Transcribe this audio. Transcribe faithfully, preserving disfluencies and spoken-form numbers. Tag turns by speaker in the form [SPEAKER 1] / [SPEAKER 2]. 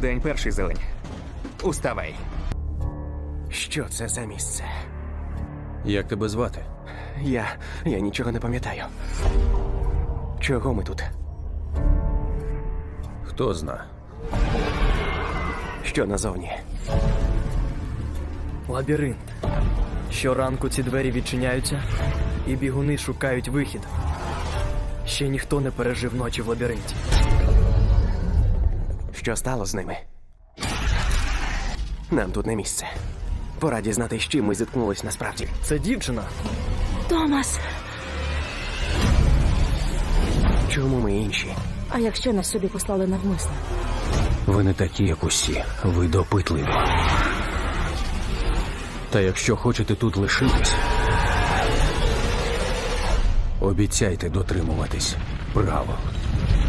[SPEAKER 1] День перший, зелень. Уставай.
[SPEAKER 2] Що це за місце?
[SPEAKER 3] Як тебе звати?
[SPEAKER 2] Я. я нічого не пам'ятаю. Чого ми тут?
[SPEAKER 3] Хто зна?
[SPEAKER 2] Що назовні?
[SPEAKER 4] Лабіринт. Щоранку ці двері відчиняються, і бігуни шукають вихід. Ще ніхто не пережив ночі в лабіринті.
[SPEAKER 2] Що стало з ними? Нам тут не місце. Пора дізнатись, з чим ми зіткнулись насправді.
[SPEAKER 4] Це дівчина.
[SPEAKER 5] Томас,
[SPEAKER 2] Чому ми інші?
[SPEAKER 5] а якщо нас сюди послали навмисно?
[SPEAKER 3] Ви не такі, як усі. Ви допитливі. Та якщо хочете тут лишитись, обіцяйте дотримуватись правил.